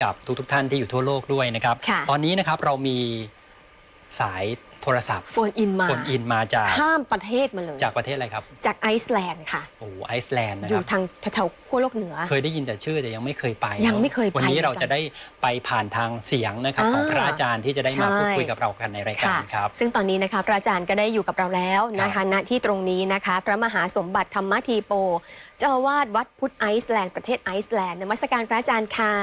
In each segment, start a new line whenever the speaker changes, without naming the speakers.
กับทุกท่านที่อยู่ทั่วโลกด้วยนะครับตอนนี้นะครับเรามีสายโทรศัพท์
โฟนอินมา
จาก
ข้ามประเทศมาเลย
จากประเทศอะไรครับ
จากไอซ์แลนด์ค่ะ
โอ้ไอซ์แลนด์นะครับ
อยู่ทางแถวขั้วโลกเหนือ
เคยได้ยินแต่ชื่อแต่ยังไม่เคยไป
วัน
นี้เราจะได้ไปผ่านทางเสียงนะครับของพระอาจารย์ที่จะได้มาพูดคุยกับเรากันในรายการครับ
ซึ่งตอนนี้นะคะพระอาจารย์ก็ได้อยู่กับเราแล้วนะคะณที่ตรงนี้นะคะพระมหาสมบัติธรรมธีโปเจ้าอาวาสวัดพุทธไอซ์แลนด์ประเทศไอซ์แลนด์นมัสการพระอาจารย์ค่ะ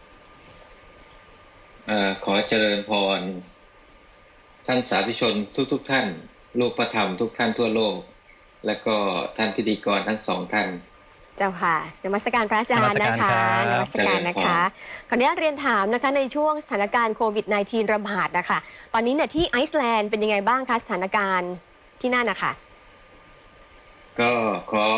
ขอเจริญพรท่านสาธุชนทุกท่านลูกพระธรรมทุกท่านทั่วโลกและก็ท่านพิธีกรทั้งสองท่าน
เจ้าค่ะนมัสการพระอาจารย์นะคะนมัสการนะคะขออนุญาตเรียนถามนะคะในช่วงสถานการณ์โควิด -19 ระบาดนะคะตอนนี้เนี่ยที่ไอซ์แลนด์เป็นยังไงบ้างคะสถานการณ์ที่นั่นนะคะ
ก็ขอ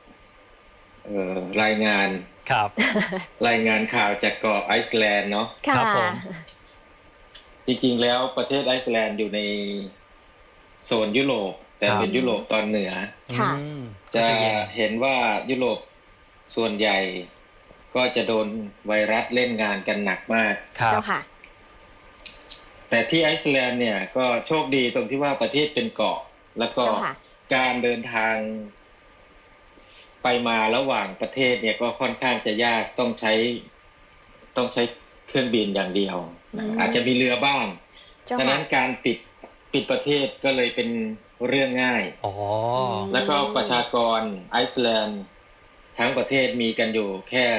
รายงานรายงานข่าวจากเกาะไอซ์แลนด์เนาะ
ครับผม
จริงๆแล้วประเทศไอซ์แลนด์อยู่ในโซนยุโรปแต่เป็นยุโรปตอนเหนือจะเห็นว่ายุโรปส่วนใหญ่ก็จะโดนไวรัสเล่นงานกันหนักมาก
เจ้าค่ะ
แต่ที่ไอซ์แลนด์เนี่ยก็โชคดีตรงที่ว่าประเทศเป็นเกาะแล้วก็การเดินทางไปมาระหว่างประเทศเนี่ยก็ค่อนข้างจะยากต้องใช้เครื่องบินอย่างเดียวอาจจะมีเรือบ้างดังนั้นการปิดประเทศก็เลยเป็นเรื่องง่ายแล้วก็ประชากรไอซ์แลนด์ทั้งประเทศมีกันอยู่แค่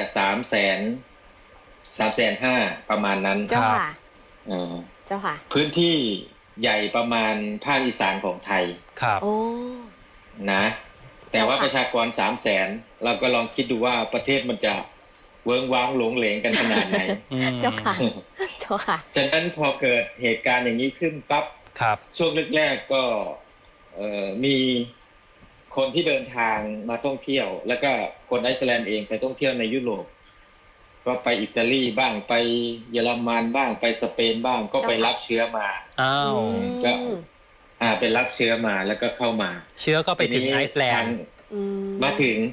350,000ประมาณนั้น
เจ้าค่ะเจ้าค่ะ
พื้นที่ใหญ่ประมาณภาคอีสานของไทย
ครับ
นะแต่ว่าประชากร300,000เราก็ลองคิดดูว่าประเทศมันจะเวิ้งว้างหลงเหลงกันขนาดไหน
เจ้าค่ะเจ้าค่ะ
ฉะนั้นพอเกิดเหตุการณ์อย่างนี้ขึ้นปั๊บช่วงแรกๆก็มีคนที่เดินทางมาท่องเที่ยวแล้วก็คนไอซ์แลนด์เองไปท่องเที่ยวในยุโรปก็ไปอิตาลีบ้างไปเยอรมันบ้างไปสเปนบ้างก็ไปรับเชื้อมาก็ไปรับเชื้อมาแล้วก็เข้ามา
เชื้อก็ไปถึงไอซ์แลนด์
มาถึง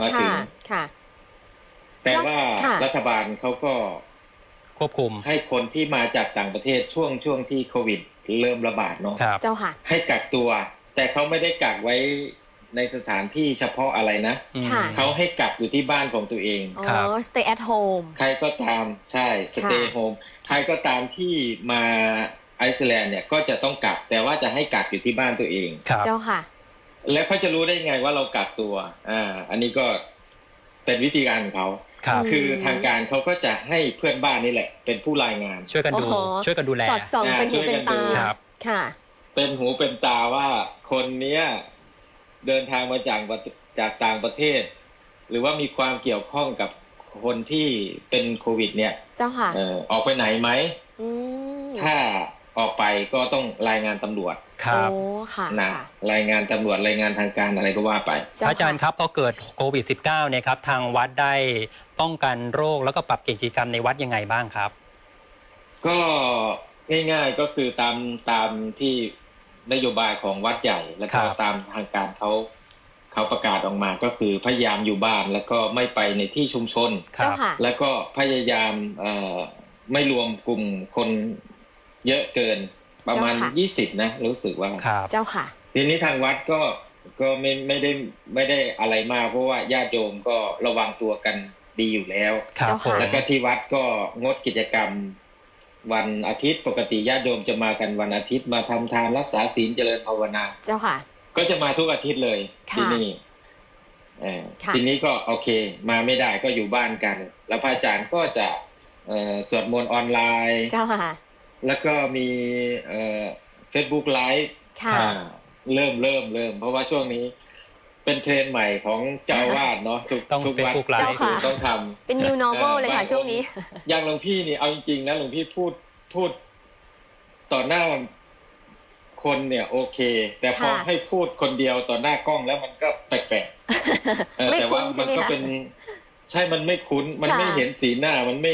แต่ว่ารัฐบาลเขาก็
ควบคุม
ให้คนที่มาจากต่างประเทศช่วงที่โควิดเริ่มระบาดเนาะ
เจ้าค่ะ
ให้กักตัวแต่เขาไม่ได้กักไว้ในสถานที่เฉพาะอะไรนะเขาให้กักอยู่ที่บ้านของตัวเอง
stay at home
ใครก็ตามใช่ stay home ใครก็ตามที่มาไอซ์แลนด์เนี่ยก็จะต้องกักแต่ว่าจะให้กักอยู่ที่บ้านตัวเอง
เจ้าค่ะ
แล้วเขาจะรู้ได้ไงว่าเรากักตัวอันนี้ก็เป็นวิธีการของเขาคือทางการเขาก็จะให้เพื่อนบ้านนี่แหละเป็นผู้รายงาน
ช่วยกันดูแล
สอดส่องเป็นหูเป็นตาค่ะ
เป็นหูเป็นตาว่าคนนี้เดินทางมาจากต่างประเทศหรือว่ามีความเกี่ยวข้องกับคนที่เป็นโควิดเนี่ย
เจ้าค่ะ
ออกไปไหนไหมถ้าออกไปก็ต้องรายงานตำรวจ
ครับ
นะรายงานตำรวจรายงานทางการอะไรก็ว่าไป
อาจารย์ครับพอเกิดโควิด -19 เนี่ยครับทางวัดได้ป้องกันโรคแล้วก็ปรับกิจกรรมในวัดยังไงบ้างครับ
ก็ง่ายๆก็คือตามที่นโยบายของวัดใหญ่แล้วก็ตามทางการเขาประกาศออกมาก็คือพยายามอยู่บ้านแล้วก็ไม่ไปในที่ชุมชนแล้วก็พยายามไม่รวมกลุ่มคนเยอะเกินประมาณ20นะรู้สึกว่า
เจ้าค่ะ
ทีนี้ทางวัดก็ไม่ได้อะไรมากเพราะว่าญาติโยมก็ระวังตัวกันดีอยู่แล้วแล้วก็ที่วัดก็งดกิจกรรมวันอาทิตย์ปกติญาติโยมจะมากันวันอาทิตย์มาทำทานรักษาศีลเจริญภาวนา
เจ้าค่ะ
ก็จะมาทุกอาทิตย์เลยที่นี่ทีนี้ก็โอเคมาไม่ได้ก็อยู่บ้านกันแล้วพระอาจารย์ก็จะสวดมนต์ออนไลน์
เจ้าค่ะ
แล้วก็มีFacebook Live เริ่มเพราะว่าช่วงนี้เป็นเทรนด์ใหม่ของเจ้าวาดเนาะทุกวัดต้องทำ
เป็น new normal เลยค่ะช่วงนี้
อย่างหลวงพี่นี่เอาจริงๆนะหลวงพี่พูดต่อหน้าคนเนี่ยโอเคแต่พอให้พูดคนเดียวต่อหน้ากล้องแล้วมันก็แปลกๆแต่ว่ามันก็เป็นใช่มันไม่คุ้นมันไม่เห็นสีหน้ามันไม่เห็น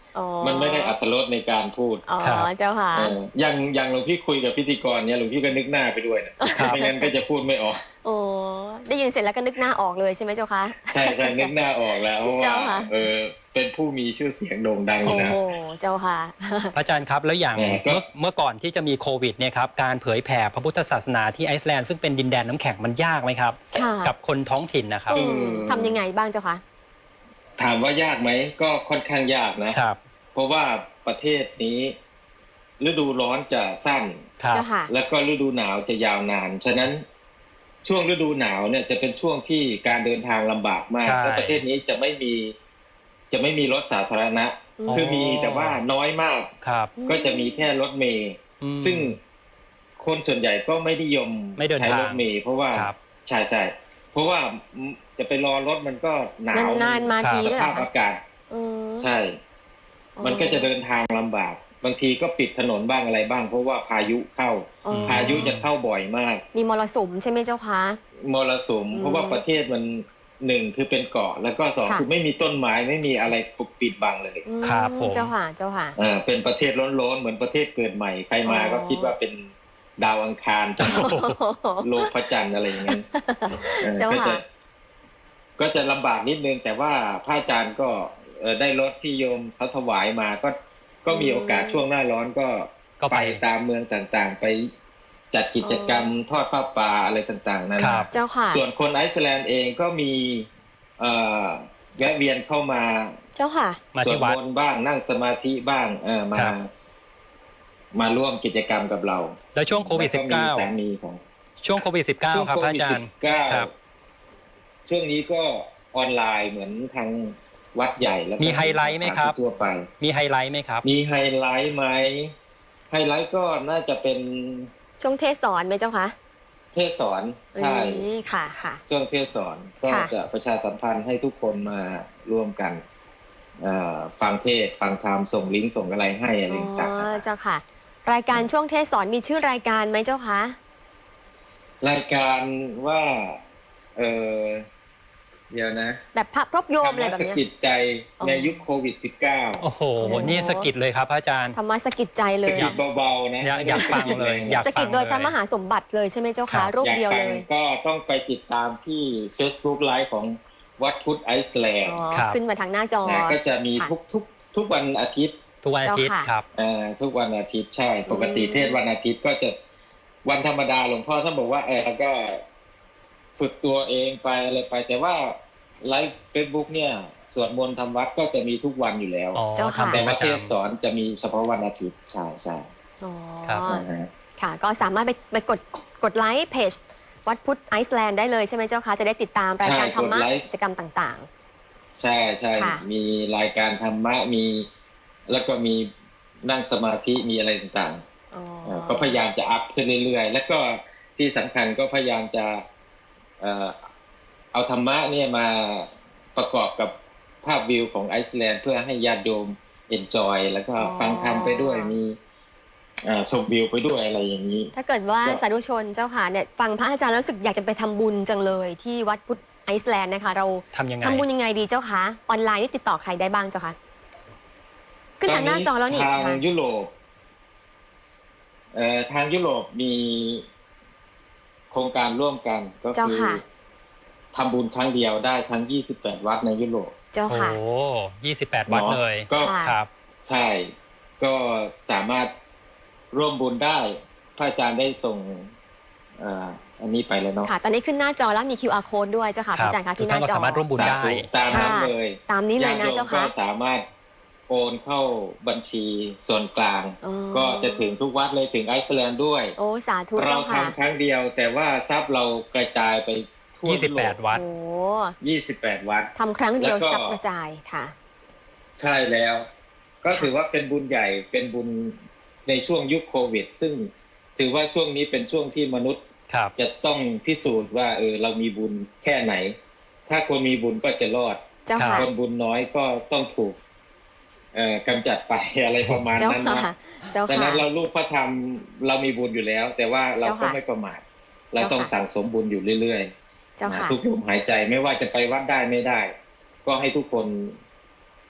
อ๋อ
มันไม่ได้อรรถรสในการพูด
อ๋อเจ้าค่ะ
อย่างหลวงพี่คุยกับพิธีกรเนี่ยหลวงพี่ก็นึกหน้าไปด้วยนะไม่งั้นก็จะพูดไม่ออก
โอ้ได้ยินเสร็จแล้วก็นึกหน้าออกเลยใช่ไหมเจ้าคะ
ใช่นึกหน้าออกแล้วเพราะ
เจ้า
ว่า
ค่ะ
เป็นผู้มีชื่อเสียงโด่งดังอยู่
โอ้
นะ
โหเจ้าค่ะ
พระอาจารย์ครับแล้วอย่าง
ก็
เมื่อก่อนที่จะมีโควิดเนี่ยครับการเผยแผ่พระพุทธศาสนาที่ไอซ์แลนด์ซึ่งเป็นดินแดนน้ำแข็งมันยากไหมครับ
ค่ะ
กับคนท้องถิ่นนะครับ
ทำยังไงบ้างเจ้าคะ
ถามว่ายากไหมก็ค่อนข้างยากนะ
ครับ
เพราะว่าประเทศนี้ฤดูร้อนจะสั้น
ครับ
เจ้าค่ะ
แล้วก็ฤดูหนาวจะยาวนานฉะนั้นช่วงฤดูหนาวเนี่ยจะเป็นช่วงที่การเดินทางลำบากมาก
ใช่
เพราะประเทศนี้จะไม่มีรถสาธารณะ
อ๋อ
คือมีแต่ว่าน้อยมาก
ครับ
ก็จะมีแค่รถเมล์
อืม
ซึ่งคนส่วนใหญ่ก็ไม่นิยม
ไม่เดินทาง
ใช้รถเมล์เพราะว่า
ครับ
ใช่เพราะว่าจะไปรอรถมันก็หนาว
นานๆมาที
ส
ด้วยเหร
ภา
อ
พ
คะ
อากาศ
อืม
ใช่ มันก็จะเดินทางลำบาก บางทีก็ปิดถนนบ้างอะไรบ้าง เพราะว่าพายุเข้า
อ๋อ
พายุจะเข้าบ่อยมาก
มีมรสุมใช่ไหมเจ้าคะ
มรสุมเพราะว่าประเทศมันหนึ่งคือเป็นเกาะ แล้วก็สอง
ค่ะ
คือไม่มีต้นไม้ไม่มีอะไรปกปิดบังเลย
อืม
ครับผม
เจ้าค่ะเจ้าค่ะ
เป็นประเทศร้อนๆเหมือนประเทศเกิดใหม่ใครมา
อ๋อ
ก็คิดว่าเป็นดาวอังคารจันทร์โลกพระจันทร์อะไรอย่างนั้น
เจ้า
ก็จะ
ค่ะ
ก็จะลำบากนิดนึงแต่ว่าพระอาจารย์ก็ได้รถที่โยมเขาถวายมาก็มีโอกาสช่วงหน้าร้อนก็
ก็ไป
ตามเมืองต่างๆ ไปจัดกิจกรรมทอดผ้าป่าอะไรต่างๆนั่น
ครับ
เจ้าค่ะ
ส่วนคนไอซ์แลนด์เองก็มีแวะเวียนเข้ามา
เจ้าค่ะ
มา
สว
ที่
ด
วัด
มนต์บ้างนั่งสมาธิบ้าง
ครับ
มาร่วมกิจกรรมกับเรา
แล้วช่วงโควิด
แล้วก็มีสามีของ
-19 ช่วงโควิด
ช่วง
-19 ครับ
โค
พระ
วิด
อาจารย์ ครับ
-19 ช่วงนี้ก็ออนไลน์เหมือนทางวัดใหญ่แล้วก็
มีไฮไลท์ไหมครับ
ทั่วไป
มีไฮไลท์ไหมครับ
มีไฮไลท์ไหมไฮไลท์ก็น่าจะเป็น
ช่วงเทศสอนไหมเจ้าคะ
เทศสอนใช่
ค่ะค่ะ
ช่วงเทศสอนก็
ค่ะ
จะประชาสัมพันธ์ให้ทุกคนมาร่วมกันฟังเทศฟังธรรมส่งลิงก์ส่งอะไรให้อะไร
อ๋
ต่าง
อเจ้าค่ะ รายการช่วงเทศสอนมีชื่อรายการไหมเจ้าคะ
ๆรายการว่าเดี๋ยวนะ
แบบพระพรบโยมอะไร
ธรร
แบ
ม
บ
ส
เนี้ย
กิดใจ
อ๋อ
ในยุคโควิด -19
โอ้โห นี่สะกิดเลยครับพระอาจารย์
ธรรมะสกิดใจเล
ส
ย
กิดเบาๆนะ
อยากฟังเลยอยาก
สกิดโดยพระมหาสมบัติเลยใช่ไหมเจ้า
ครั
คะ
บ
รูป
อยาก
เดียว
ฟั
เล
ง
ย
ก็ต้องไปติดตามที่ Facebook Live ของวัดพุทธไอซ์แลนด์
อ๋อ
ครับ
ขึ้นมาทางหน้าจอ
นะก็จะมี
ค่ะ
ทุกวันอาทิตย์
ทุกวันอาทิตย์
เจ้าค่ะ
ครับ
ทุกวันอาทิตย์ใช่ ปกติเทศวันอาทิตย์ก็จะวันธรรมดาหลวงพ่อท่านบอกว่าแล้วก็ฝึกตัวเองไปอะไรไป แต่ว่าไลฟ์ Facebook เนี่ยสวดมนต์ทำวัดก็จะมีทุกวันอยู่แล้ว
อ๋อ
เจ้าค่ะ
ทำ
แต่
เป็นป
ว่า
ระ
เทศ
จำ
สอนจะมีเฉพาะวันอาทิตย์ใช่ใช่
อ๋อ
ครับ
นะฮะ
ค่ะ ก็สามารถไปกดไลค์เพจวัดพุทธไอซ์แลนด์ได้เลยใช่ไหมเจ้าคะ จะได้ติดตามรายการธรรมะกิจกรรมต่าง
ใช่ใช่
ค่ะ
มีรายการธรรมะมีแล้วก็มีนั่งสมาธิมีอะไรต่าง
ๆอ๋อ
ๆก็พยายามจะอัพขึ้นเรื่อยๆ แล้วก็ที่สำคัญก็พยายามจะเอาธรรมะเนี่ยมาประกอบกับภาพวิวของไอซ์แลนด์เพื่อให้ญาติโยมเอนจอยแล้วก็ฟังธรรมไปด้วยมีชมวิวไปด้วยอะไรอย่างนี้
ถ้าเกิดว่า
ก็
สาธุชนเจ้าค่ะเนี่ยฟังพระอาจารย์แล้วรู้สึกอยากจะไปทำบุญจังเลยที่วัดพุทธไอซ์แลนด์นะคะ เรา
ทำยังไง
ทำบุญยังไงดีเจ้าคะออนไลน์นี่ติดต่อใครได้บ้างเจ้าคะขึ้นทางหน้าจอแล้วนี่
ทาง
ค่ะ
ยุโรปทางยุโรปมีโครงการร่วมกันก็
เจ้า
คือ
ค่ะ
ทำบุญครั้งเดียวได้ทั้ง28วัดในยุโรป
เจ้า
โอ้
ค่ะ
28 วัดเลย
ก็
ค่ะ
ครับ
ใช่ ก็สามารถร่วมบุญได้พระอาจารย์ได้ส่งอันนี้ไปแล้วเนาะ
ค่ะ ตอนนี้ขึ้นหน้าจอแล้วมี QR code ด้วยเจ้าค่ะพระอาจารย์คะ
ทุก
ที่ห
ท่า
น้าน
ก็
จอ
สามารถร่วมบุญได้
สาธุตามนั้นเลย
ตามนี้เลยนะ
ญติโยม
เจ้า
ก็
ค่ะ
สามารถโอนเข้าบัญชีส่วนกลาง
อ๋อ
ก็จะถึงทุกวัดเลยถึงไอซ์แลนด์ด้วย
โอ้สาธุ
เรา
เจ้าค่ะ
ทำครั้งเดียว แต่ว่าทรัพย์เรากระจายไปทั่วยุโรป
28 วัด
โอ้
28 วัด
ทำครั้งเดียว
แล้วก็
ซับกระจายค่ะ
ใช่แล้ว ก็ถือว่าเป็นบุญใหญ่เป็นบุญในช่วงยุคโควิด ซึ่งถือว่าช่วงนี้เป็นช่วงที่มนุษย์
ครับ
จะต้องพิสูจน์ว่าเรามีบุญแค่ไหน ถ้าคนมีบุญก็จะรอด
เจ้าค่ะ
คนบุญน้อยก็ต้องถูกกำจัดไป อะไรประมาณ
เจ้า
นั้น
ค่ะ
นะ
เจ้า
ดัง
ค่ะ
นั้นเราลูกพระธรรมเรามีบุญอยู่แล้ว แต่ว่าเรา
เจ้า
ก็
ค่ะ
ไม่ประมาทเรา
เจ้าค่ะ
ต้องสั่งสมบุญอยู่เรื่อย
เจ้า
ๆ
ค่ะ
ทุกลมหายใจไม่ว่าจะไปวัดได้ไม่ได้ ก็ให้ทุกคน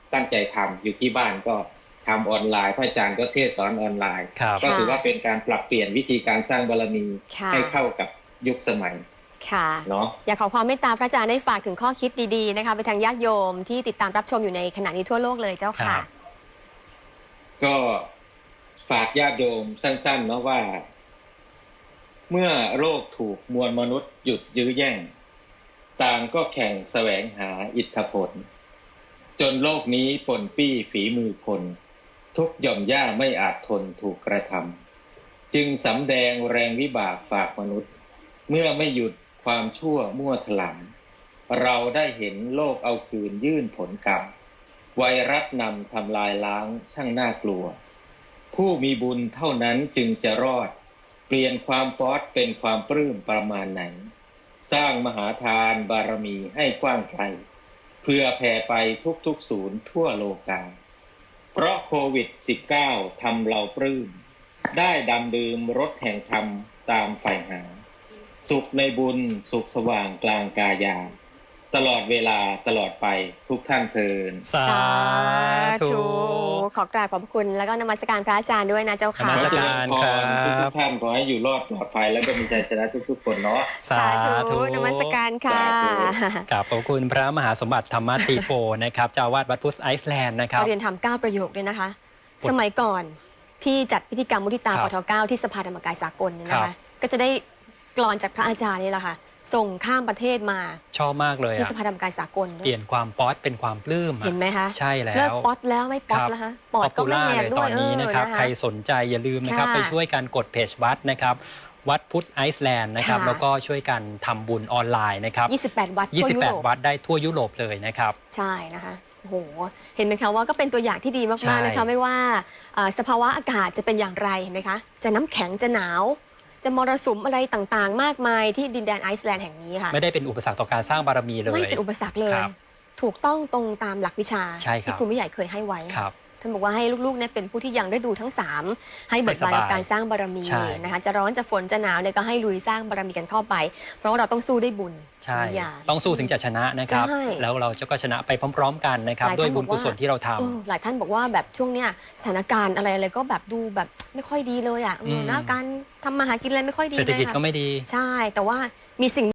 ตั้งใจทำอยู่ที่บ้านก็ทำออนไลน์พระอาจารย์ก็เทศสอนออนไลน์
ครับ
ก็ถือว่าเป็นการปรับเปลี่ยนวิธีการสร้างบารมี
ค่ะ
ให้เข้ากับยุคสมัย
ค่ะ
เนาะ
อยากขอความเมตตาพระอาจารย์ได้ฝากถึงข้อคิดดีๆนะคะไปทางญาติโยมที่ติดตามรับชมอยู่ในขณะนี้ทั่วโลกเลยเจ้าค่ะ
ก็ฝากญาติโยมสั้นๆเนาะว่า เมื่อโลกถูกมวลมนุษย์หยุดยื้อแย่งต่างก็แข่งแสวงหาอิทธิพลจนโลกนี้ปนปี้ฝีมือคนทุกหย่อมย่าไม่อาจทนถูกกระทำจึงสำแดงแรงวิบากฝากมนุษย์เมื่อไม่หยุดความชั่วมั่วถลำเราได้เห็นโลกเอาคืนยื่นผลกรรมไวรัสนำทำลายล้างช่างน่ากลัวผู้มีบุญเท่านั้นจึงจะรอดเปลี่ยนความป๊อดเป็นความปลื้มประมาณไหนสร้างมหาทานบารมีให้กว้างไกลเพื่อแผ่ไปทุกๆศูนย์ทั่วโลกาเพราะโควิด -19 ทำเราปลื้มได้ดำดื่มรสแห่งธรรมตามใฝ่หาสุขในบุญสุขสว่างกลางกายาตลอดเวลาตลอดไปทุกท่านเทิน
สาธุ
ขอกราบขอบคุณแล้วก็นมัสการพระอาจารย์ด้วยนะเจ้าค่ะ
นมัสการ ครับ
ทุกท่านขอให้อยู่รอดปลอดภัยแล้วก็มีชัยชนะทุกๆคนเนาะ
สาธุ
นมัสการค่ะ
สาธุ
กราบขอบคุณพระมหาสมบัติธรรมติโพนะครับเจ้าอาวาสวัดพุทธไอซ์แลนด์นะครับ
เราเรียนทำ9ประโยคด้วยนะคะ สมัยก่อนที่จัดพิธีกรรมมุทิตา
ครับ
ปท9ที่สภาธรรมกายสากลเนี่ยนะ
ครั
คะ
บ
ก็จะได้กลอนจากพระอาจารย์นี่แหละค่ะ ส่งข้ามประเทศมา
ชอบมากเลย
ที่
อะ
สภาธรรมกายสากลด้ว
เปลี่
ย
ยนความป๊อตเป็นความปลื้มอะ
เห็นไหมคะ
ใช่แล้ว
เลิกป๊อตแล้วไม่ป๊อตแล้วฮะปอดก็ไม่แหก
เลย
ด้
ต
ว
อย นนี้นะครับ
เออ
ใครสนใจอย่าลืมนะครับ
ค่ะ
ไปช่วยกันกดเพจวัดนะครับ วัดพุทธไอซ์แลนด์นะครับ
ค่ะ
แล้วก็ช่วยกันทำบุญออนไลน์นะครับ
28 วัดทั่วยุโรป
28 วัดได้ทั่วยุโรปเลยนะครับ
ใช่นะคะโอ้โหเห็นไหมคะว่าก็เป็นตัวอย่างที่ดี
ใช่
มากๆนะคะไม่ว่าสภาวะอากาศจะเป็นอย่างไรเห็นไหมคะจะน้ำแข็งจะหนาว จะมรสุมอะไรต่างๆ มากมายที่ดินแดนไอซ์แลนด์แห่งนี้ค่ะ
ไม่ได้เป็นอุปสรรคต่อการสร้างบารมีเลย
ไม่เป็นอุปสรรคเลย
ครับ
ถูกต้องตรงตามหลักวิชา
ใช่ครับ
ที่ครูไม่ใหญ่เคยให้ไว้
ครับ
ท่านบอกว่าให้ลูกๆเนี่ยเป็นผู้ที่ยังได้ดูทั้ง 3 ให้เบิกบานกับการสร้างบารมี
ใช่
นะคะจะร้อนจะฝนจะหนาวเนี่ยก็ให้ลุยสร้างบารมีกันเข้าไป เพราะว่าเราต้องสู้ด้วยบุญ
ใช่
อย่า
ต้องสู้ถึงจะชนะนะครับ
ใช่
แล้วเราจะก็ชนะไปพร้อม ๆ กันนะครับ
หลาย
ด้วย
ท่าน
บุญ
บอก
กุ
ว่า
ศลที่เราท
หลายท่านบอกว่าแบบช่วงเนี้ยสถานการณ์อะไรก็แบบดูแบบไม่ค่อยดีเลยอ่ะนะการทำมาหากินอะไรไม่ค่อย
ำ
ดี
เศรษฐ
เลย
กิจ
ค่ะ
ก็ไม่ดี
ใช่แต่ว่ามีสิ่ง